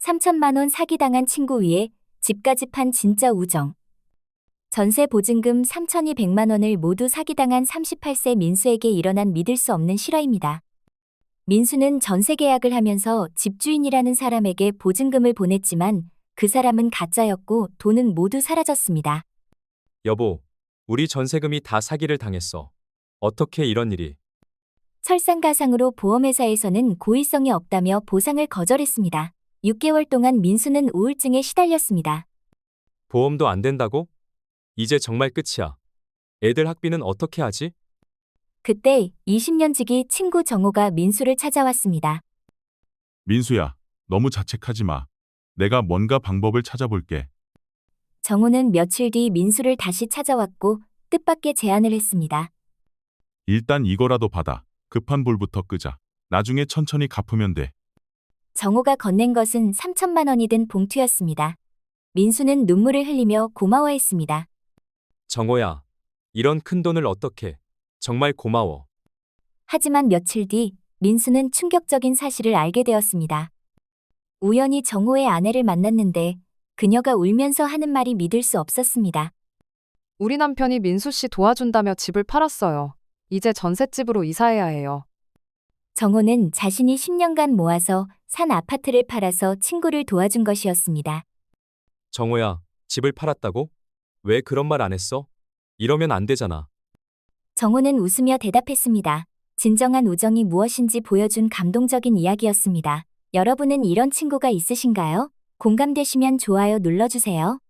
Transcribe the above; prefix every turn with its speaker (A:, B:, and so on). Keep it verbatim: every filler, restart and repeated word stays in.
A: 삼천만 원 사기당한 친구 위에 집까지 판 진짜 우정. 전세 보증금 삼천이백만 원을 모두 사기당한 삼십팔 세 민수에게 일어난 믿을 수 없는 실화입니다. 민수는 전세 계약을 하면서 집주인이라는 사람에게 보증금을 보냈지만 그 사람은 가짜였고 돈은 모두 사라졌습니다.
B: 여보, 우리 전세금이 다 사기를 당했어. 어떻게 이런 일이?
A: 설상가상으로 보험회사에서는 고의성이 없다며 보상을 거절했습니다. 육 개월 동안 민수는 우울증에 시달렸습니다.
B: 보험도 안 된다고? 이제 정말 끝이야. 애들 학비는 어떻게 하지?
A: 그때 이십 년 지기 친구 정호가 민수를 찾아왔습니다.
C: 민수야, 너무 자책하지 마. 내가 뭔가 방법을 찾아볼게.
A: 정호는 며칠 뒤 민수를 다시 찾아왔고 뜻밖의 제안을 했습니다.
C: 일단 이거라도 받아. 급한 불부터 끄자. 나중에 천천히 갚으면 돼.
A: 정호가 건넨 것은 삼천만 원이 든 봉투였습니다. 민수는 눈물을 흘리며 고마워했습니다.
B: 정호야, 이런 큰 돈을 어떻게? 정말 고마워.
A: 하지만 며칠 뒤 민수는 충격적인 사실을 알게 되었습니다. 우연히 정호의 아내를 만났는데 그녀가 울면서 하는 말이 믿을 수 없었습니다.
D: 우리 남편이 민수 씨 도와준다며 집을 팔았어요. 이제 전셋집으로 이사해야 해요.
A: 정호는 자신이 십 년간 모아서 산 아파트를 팔아서 친구를 도와준 것이었습니다.
B: 정호야, 집을 팔았다고? 왜 그런 말 안 했어? 이러면 안 되잖아.
A: 정호는 웃으며 대답했습니다. 진정한 우정이 무엇인지 보여준 감동적인 이야기였습니다. 여러분은 이런 친구가 있으신가요? 공감되시면 좋아요 눌러주세요.